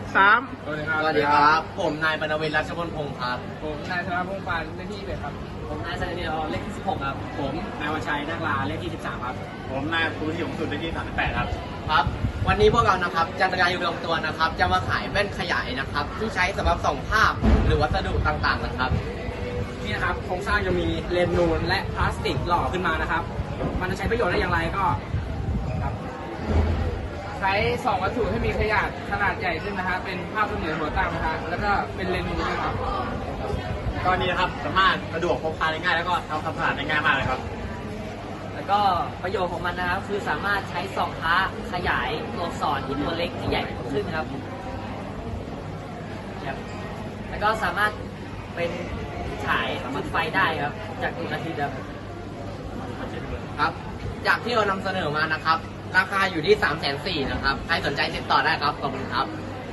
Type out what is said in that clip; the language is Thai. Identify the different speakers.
Speaker 1: 3
Speaker 2: สวัสดีครับ
Speaker 3: สวัสดีครับ ผมนายปนวินทร์รัชพลพงศ์ครับ
Speaker 2: ผมนายธนพงศ์ปานเลขที่11ครับ
Speaker 4: ผมนายสันติเลขที่16ครับผมนายวชัยนักลาเลขที่13ครับ
Speaker 1: ผมนายภูที่ยงสุดเลขที่38ครับ
Speaker 3: ครับ วันนี้พวกเรานะครับจะรายงานตัวนะครับ จะมาขายแว่นขยายนะครับ ที่ใช้สำหรับส่องภาพหรือวัสดุต่างๆนะครับ
Speaker 4: นี่นะครับโครงสร้างจะมีเลนส์นูนและพลาสติกหล่อขึ้นมานะครับ มันจะใช้ประโยชน์ได้อย่างไรก็ครับ
Speaker 2: ใช้2วัตถุให้มีขนาดใหญ่ขึ้นนะฮะเป็นภาพเสมือนหัวตั้งนะฮะแล้วก็เป็นเลนส์นูนด้วยครับ
Speaker 1: ก็นี้นะครับสามารถสะดวกพกพาได้ง่ายแล้วก็ทำความสะอาดได้ง่ายมากเลยครับ
Speaker 4: แล้วก็ประโยชน์ของมันนะครับคือสามารถใช้ส่องพระขยายตัวอักษรที่ตัวเล็กที่ใหญ่ขึ้นครับแล้วก็สามารถเป็นฉายจุดไฟได้ครับจากดวงอาทิตย์ครับ
Speaker 3: ครับ จากที่เรานำเสนอมานะครับ ราคาอยู่ที่340,000นะครับ ใครสนใจติดต่อได้ครับ ขอบคุณครับ